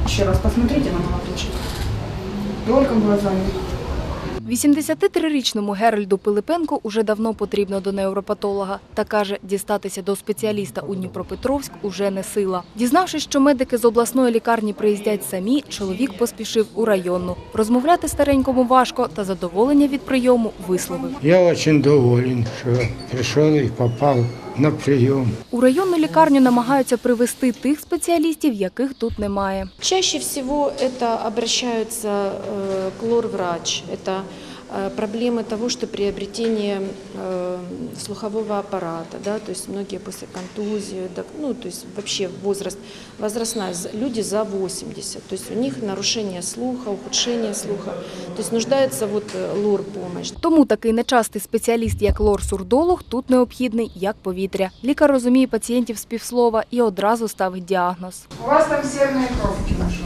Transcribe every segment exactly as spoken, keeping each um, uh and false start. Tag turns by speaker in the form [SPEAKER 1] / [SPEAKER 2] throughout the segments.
[SPEAKER 1] Еще раз посмотрите на молоточек. Только глазами.
[SPEAKER 2] вісімдесятитрирічному Геральду Пилипенку уже давно потрібно до невропатолога. Та каже, дістатися до спеціаліста у Дніпропетровськ уже не сила. Дізнавшись, що медики з обласної лікарні приїздять самі, чоловік поспішив у районну. Розмовляти старенькому важко, та задоволення від прийому висловив.
[SPEAKER 3] Я дуже доволен, що прийшов і попав на прийом.
[SPEAKER 2] У районну лікарню намагаються привезти тих спеціалістів, яких тут немає.
[SPEAKER 4] Чаще всего это обращаются э, к лор-врач. Это э, проблемы того, что приобретение э, слухового аппарата, да, то есть многие после контузии, да, ну, то есть вообще возраст, возрастная, люди за восемьдесят, то есть у них нарушение слуха, ухудшение слуха, то есть нуждается вот лор-помощь.
[SPEAKER 2] Тому такий нечастий спеціаліст, як лор-сурдолог, тут необхідний, як повітря. Лікар розуміє пацієнтів з півслова і одразу ставить діагноз.
[SPEAKER 1] У вас там серные кровки нашла.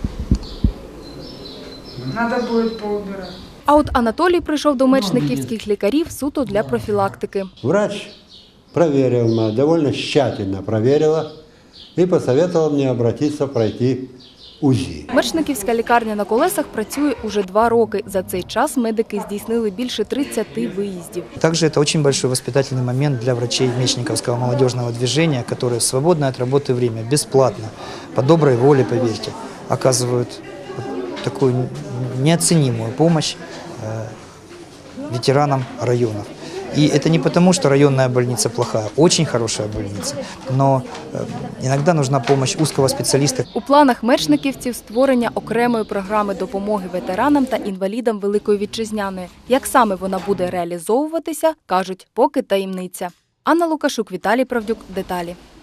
[SPEAKER 1] Надо будет поубирать.
[SPEAKER 2] А от Анатолій прийшов до мечниківських лікарів суто для профілактики.
[SPEAKER 5] Врач проверил меня, довольно тщательно проверила и посоветовал мне обратиться пройти УЗИ.
[SPEAKER 2] Мечниківська лікарня на колесах працює уже два роки. За цей час медики здійснили більше тридцяти виїздів.
[SPEAKER 6] Также это очень большой воспитательный момент для врачей Мечниковского молодежного движения, которые в свободное от работы время, бесплатно, по доброй воле, поверьте, оказывают такую неоценимую помощь ветеранам районов. И это не потому, что районная больница плохая, очень хорошая больница, но иногда нужна помощь узкого специалиста.
[SPEAKER 2] У планах мечниківців створення окремої програми допомоги ветеранам та інвалідам Великої Вітчизняної. Як саме вона буде реалізовуватися, кажуть, поки таємниця. Анна Лукашук, Віталій Правдюк. Деталі.